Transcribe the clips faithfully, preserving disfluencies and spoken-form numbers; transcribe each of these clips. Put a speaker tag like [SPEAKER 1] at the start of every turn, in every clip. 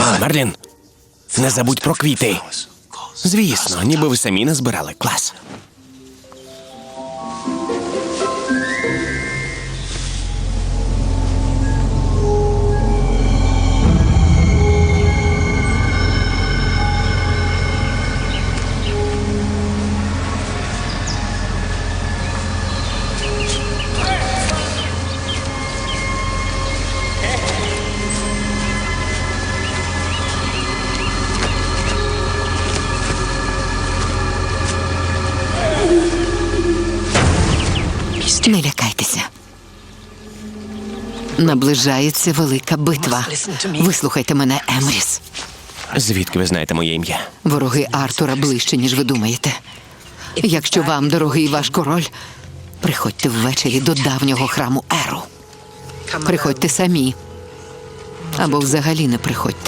[SPEAKER 1] Мерлін, не забудь про квіти. Звісно, ніби ви самі назбирали. Клас.
[SPEAKER 2] Не лякайтеся. Наближається велика битва. Вислухайте мене, Емріс.
[SPEAKER 1] Звідки ви знаєте моє ім'я?
[SPEAKER 2] Вороги Артура ближче, ніж ви думаєте. Якщо вам дорогий ваш король, приходьте ввечері до давнього храму Еру. Приходьте самі. Або взагалі не приходьте.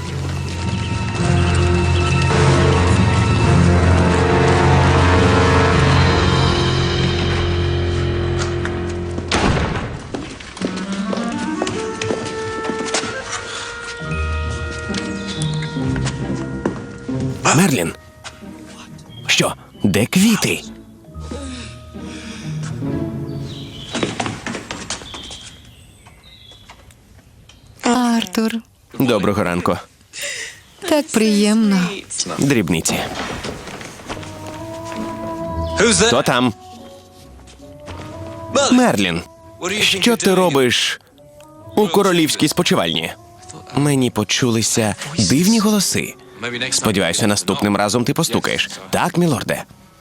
[SPEAKER 1] Мерлін. Що? Де квіти?
[SPEAKER 2] Артур,
[SPEAKER 1] Доброго ранку.
[SPEAKER 2] так приємно.
[SPEAKER 1] Дрібниці. Хто там? Мерлін, що ти робиш у королівській спочивальні? Мені почулися дивні голоси. Сподіваюся, наступним разом ти постукаєш. Так, мілорде?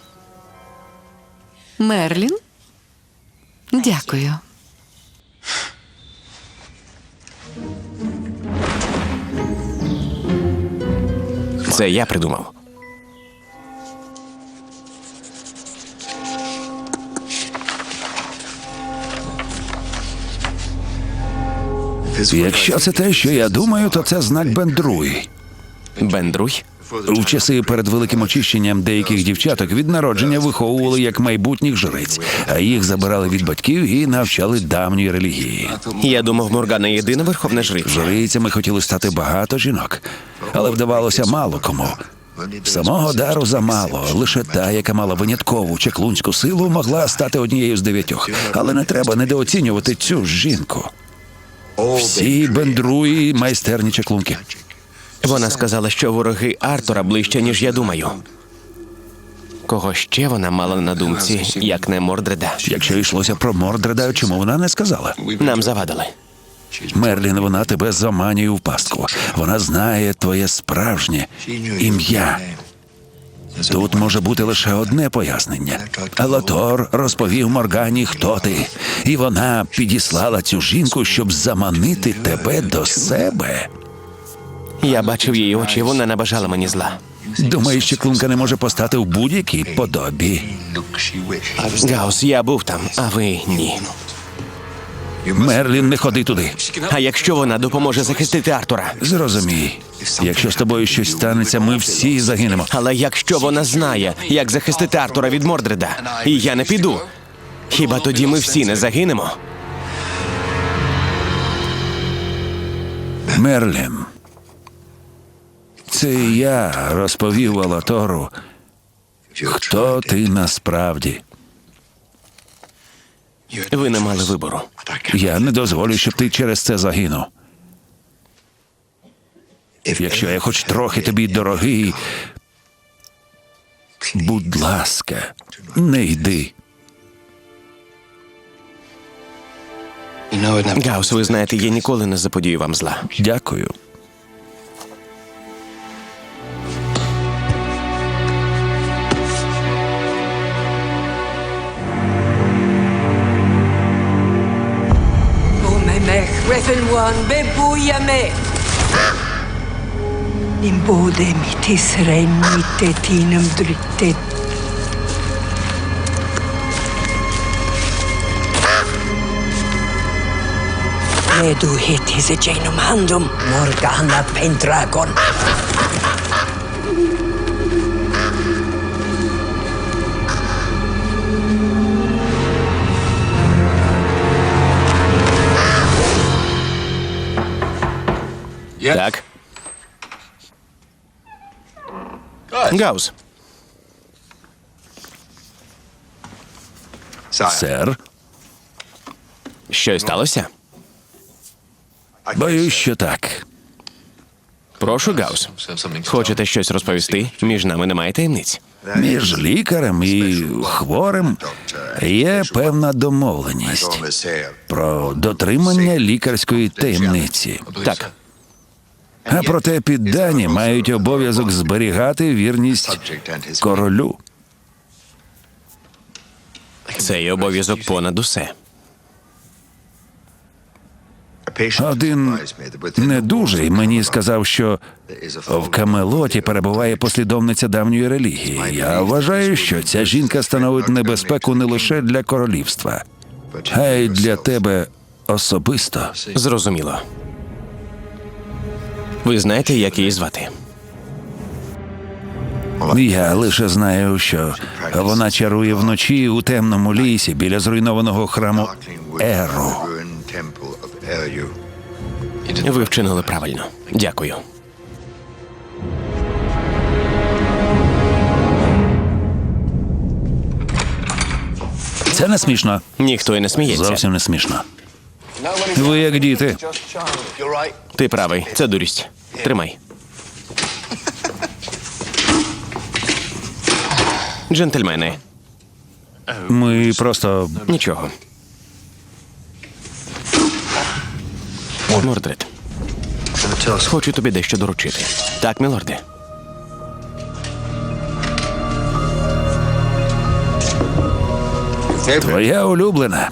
[SPEAKER 2] Мерлін? Дякую.
[SPEAKER 1] Це я придумав.
[SPEAKER 3] Якщо це те, що я думаю, то це знак Бендруй.
[SPEAKER 1] Бендруй?
[SPEAKER 3] У часи перед великим очищенням деяких дівчаток від народження виховували як майбутніх жриць, а їх забирали від батьків і навчали давньої релігії.
[SPEAKER 1] Я думав, Моргана єдина верховна жриця.
[SPEAKER 3] Жрицями хотіли стати багато жінок, але вдавалося мало кому. Самого дару замало. Лише та, яка мала виняткову чаклунську силу, могла стати однією з дев'ятьох. Але не треба недооцінювати цю жінку. Всі Бендруї – майстерні чаклунки.
[SPEAKER 1] Вона сказала, що вороги Артура ближче, ніж я думаю. Кого ще вона мала на думці, як не Мордреда?
[SPEAKER 3] Якщо йшлося про Мордреда, чому вона не сказала?
[SPEAKER 1] Нам завадили.
[SPEAKER 3] Мерлін, вона тебе заманює в пастку. Вона знає твоє справжнє ім'я. Тут може бути лише одне пояснення. Алатор розповів Моргані, хто ти. І вона підіслала цю жінку, щоб заманити тебе до себе.
[SPEAKER 1] Я бачив її очі, вона не бажала мені зла.
[SPEAKER 3] Думаєш, що чаклунка не може постати в будь-якій подобі?
[SPEAKER 1] Гаус, я був там, а ви ні.
[SPEAKER 3] Мерлін, не ходи туди.
[SPEAKER 1] А якщо вона допоможе захистити Артура?
[SPEAKER 3] Зрозумій, якщо з тобою щось станеться, ми всі загинемо.
[SPEAKER 1] Але якщо вона знає, як захистити Артура від Мордреда, і я не піду, хіба тоді ми всі не загинемо?
[SPEAKER 3] Мерлін, це я розповів Алатору, хто ти насправді.
[SPEAKER 1] Ви не мали вибору.
[SPEAKER 3] Я не дозволю, щоб ти через це загинув. Якщо я хоч трохи тобі дорогий, будь ласка, не йди.
[SPEAKER 1] Гаус, ви знаєте, я ніколи не заподію вам зла.
[SPEAKER 3] Дякую.
[SPEAKER 4] One bebujame. Din både mitt Israel mitte tinem dryttet. Redu hetis e genum handum Morgana Pendragon.
[SPEAKER 1] Так. Гаус,
[SPEAKER 3] Сер,
[SPEAKER 1] щось сталося?
[SPEAKER 3] боюсь, що так.
[SPEAKER 1] Прошу, Гаус. Хочете щось розповісти? Між нами немає таємниць.
[SPEAKER 3] Між лікарем і хворим є певна домовленість про дотримання лікарської таємниці.
[SPEAKER 1] Так,
[SPEAKER 3] А проте піддані мають обов'язок зберігати вірність королю.
[SPEAKER 1] цей обов'язок понад усе.
[SPEAKER 3] Один недужий мені сказав, що в Камелоті перебуває послідовниця давньої релігії. Я вважаю, що ця жінка становить небезпеку не лише для королівства, а й для тебе особисто.
[SPEAKER 1] Зрозуміло. Ви знаєте, як її звати?
[SPEAKER 3] Я лише знаю, що вона чарує вночі у темному лісі біля зруйнованого храму Еру.
[SPEAKER 1] Ви вчинили правильно. Дякую.
[SPEAKER 3] Це не смішно.
[SPEAKER 1] Ніхто і не сміється.
[SPEAKER 3] Зовсім не смішно. Ви як діти.
[SPEAKER 1] Ти правий, це дурість. Тримай. Джентльмени,
[SPEAKER 3] Ми просто.
[SPEAKER 1] нічого. Мордред, хочу тобі дещо доручити. Так, мілорде.
[SPEAKER 3] Твоя улюблена.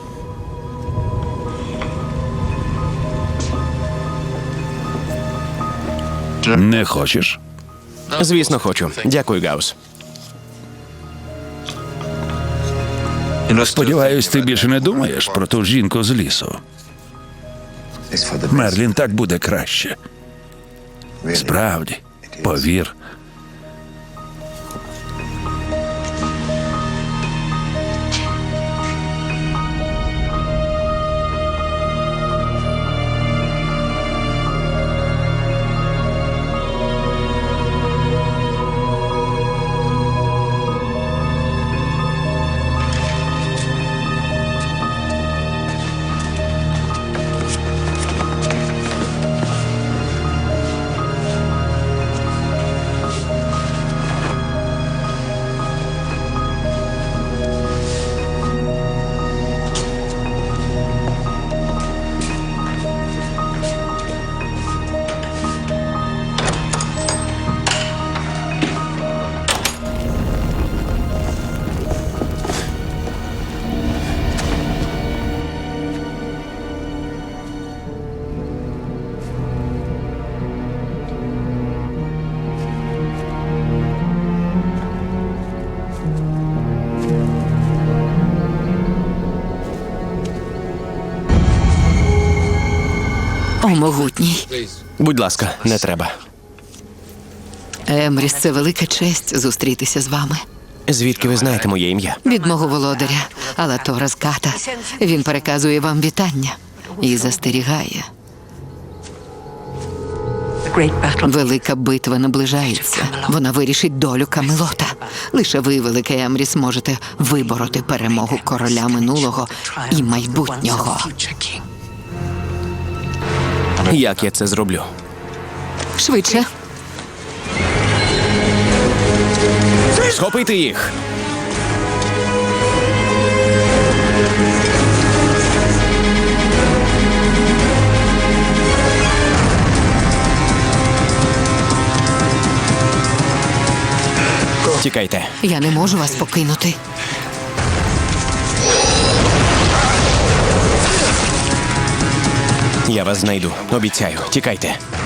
[SPEAKER 3] Не хочеш?
[SPEAKER 1] Звісно, хочу. Дякую, Гаус.
[SPEAKER 3] Сподіваюсь, ти більше не думаєш про ту жінку з лісу. Мерлін, так буде краще. Справді, повір.
[SPEAKER 2] О, могутній.
[SPEAKER 1] Будь ласка, не треба.
[SPEAKER 2] Емріс, це велика честь зустрітися з вами.
[SPEAKER 1] Звідки ви знаєте моє ім'я?
[SPEAKER 2] Від мого володаря, Алатора з Ката. Він переказує вам вітання і застерігає. Велика битва наближається. Вона вирішить долю Камелота. Лише ви, великий Емріс, можете вибороти перемогу короля минулого і майбутнього.
[SPEAKER 1] Як я це зроблю?
[SPEAKER 2] Швидше.
[SPEAKER 1] Схопити їх! Тікайте.
[SPEAKER 2] Я не можу вас покинути.
[SPEAKER 1] Я вас знайду. Обіцяю. Тікайте.